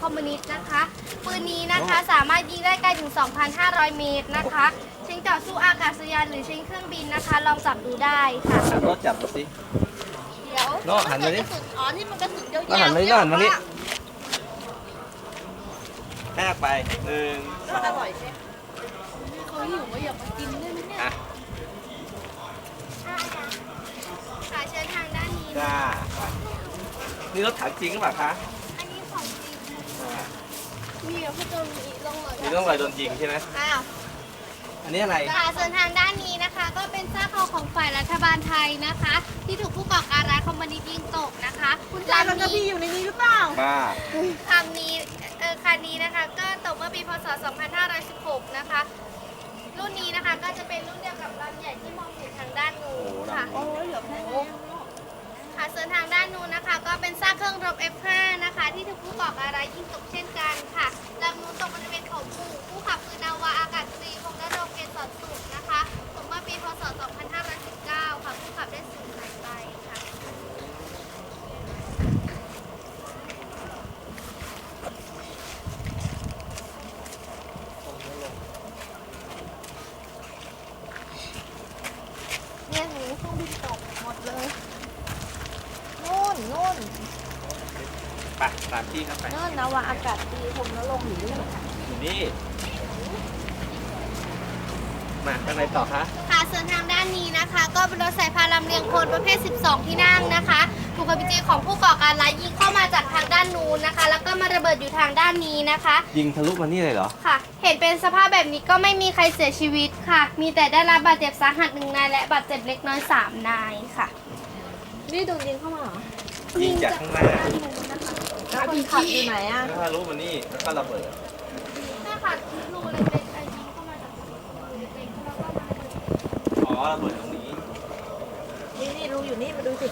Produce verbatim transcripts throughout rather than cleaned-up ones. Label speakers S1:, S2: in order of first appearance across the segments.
S1: อมมิวนิสต์นะคะปืนนี้นะคะสามารถยิงได้ไกลถึง สองพันห้าร้อย เมตรนะคะชิงต่อสู้อากาศยานหรือชิงเครื่องบินนะคะลองจับดูได้ค่ะ
S2: รถจับดูสิ
S1: เดี๋ยว
S2: น้องหันมาดิ
S1: อ๋อนี่มันกระสุนยาวๆ
S2: น้องหันมาดิน้องหันมาดิแทกไปหนึ่งสอง
S1: อร่อยใช่เขาหิวว่าอยากมากินได้ไหมเนี่ย
S2: อ่ะ
S1: ค่ะเชิญทางด้านนี้
S2: จ้านี่รถถังจริงหรือเปล่าคะ
S1: อันนี้ของจริง
S2: อ่า
S1: มีแบบพี่โจนมีลงเลย
S2: มีร่องรอยโดนยิงใช่ไหม
S1: อ้าว
S2: อันนี้อะไร
S1: ค่ะส่วนทางด้านนี้นะคะ ก็เป็นซากคอของฝ่ายรัฐบาลไทยนะคะ ที่ถูกผู้ก่อการร้ายคอมมิวนิสต์ยิงตกนะคะคุณจามันจะมีอยู่ในนี้หรือเปล่า
S2: บ้า
S1: คำนี้เออคันนี้นะคะ ก็ตกเมื่อปีพศ สองพันห้าร้อยสิบหก นะคะ รุ่นนี้นะคะก็จะเป็นรุ่นเดียวกับลำใหญ่ที่มองเห็นทางด้านนู้นค่ะ
S2: โอ้
S1: โอ้ยเหลือแค่นี้ค่ะส่วนทางด้านนู้นนะคะ ก็เป็นซากเครื่องรบ เอฟ ห้า นะคะ ที่ถูกผู้ก่อการร้ายยิงตกเช่นกันค่ะลำนู้นตกบริเวณเขาปู่ผู้ขับคือนาวาอากาศตรีพงษ์นรงค์เกษรสุขนะคะตกเมื่อปีพศ สองพันห้าร้อยสิบเก้า ค่ะผู้ขับได้สูญหายไปค่ะ เนี่ยหนูเครื่องบินตกหมดเลยนู่นนู่น
S2: ไปตามที่เข้าไป
S1: นู่นนาวาอากาศตรีพงษ์นรงค์อยู่นี่
S2: อยู่นี่ มาข้างในต่อคะ
S1: ค่ะส่วนทางด้านนี้นะคะ ก็เป็นรถสายพานลำเลียงคนประเภท สิบสอง ที่นั่งนะคะถูกกระจีของผู้ก่อการร้ายยิงเข้ามาจากทางด้านนู้นนะคะ แล้วก็มาระเบิดอยู่ทางด้านนี้นะคะ
S2: ยิงทะลุมานี่เลยเหรอ
S1: ค่ะ เห็นเป็นสภาพแบบนี้ก็ไม่มีใครเสียชีวิตค่ะ มีแต่ได้รับบาดเจ็บสาหัสหนึ่งนายและบาดเจ็บเล็กน้อยสามนายค่ะ
S3: นี่โดนยิงเข้ามาเหรอ
S2: ยิงจากข้างหน้า
S3: แล้วคนขับอยู่ไหนอ่ะ
S2: แล้วทะลุมานี่แล้วก็ระเบิด
S1: ใช่ค่ะรูเล็กๆไอ้ยิงเข้ามาจากรูเล็กๆแล้วก็มาระเบิด
S2: อ๋อระเบิดตรงนี้
S3: นี่นี่รู้อยู่นี่มาดูสิ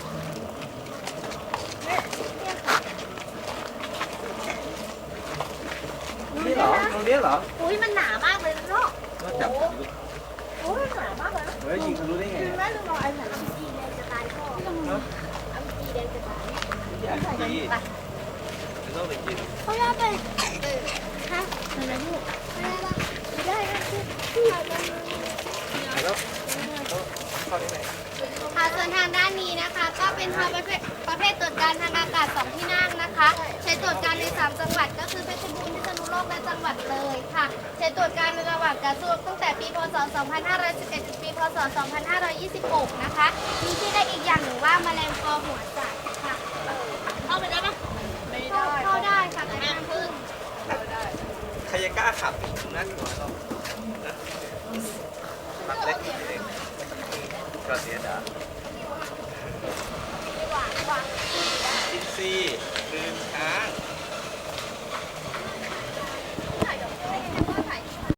S2: นี่เหรอ ตรงนี้เหรอ
S1: อุ้ยมันหนามากเลยนะลูก
S2: ก็จับทะลุ
S3: โอ้ยหนามากเลยนะ
S2: เฮ้ยยิงทะลุได้ไง
S3: แม่ดูรอยไอ้ไหน
S1: อัมจีแดงจะตายพ่อ
S2: เนอะ
S1: อัมจีแดงจะตาย
S2: อย่าจีไม่ต้องไปกิน
S1: เขาย่าไปฮะอะไรลูกไม่ได้ไม่ได้นะที่เราจะ
S2: แล้วเข้าได้ไหน
S1: ค่ะส่วนทางด้านนี้นะคะ ก็เป็นทางประเภทประเภทตรวจการทางอากาศสองที่นั่งนะคะ ใช้ตรวจการในสามจังหวัดก็คือเพชรบูรณ์พิษณุโลกและจังหวัดเลยค่ะ ใช้ตรวจการในระหว่างการสู้รบตั้งแต่ปีพศ สองพันห้าร้อยสิบเอ็ด ถึงปีพศ สองพันห้าร้อยยี่สิบหก นะคะ มีที่ได้อีกอย่างหนึ่งว่าแมลงปอหัวจัดค่ะเข้าไปได้ปะไม่ได้เข้าได้ค่ะแต่ห้ามพึ่ง
S2: ใครจะกล้าขับนะหัวเรานะปักเล็กเล็กก็เสียดาย
S1: หวานหวาน
S2: กินซี่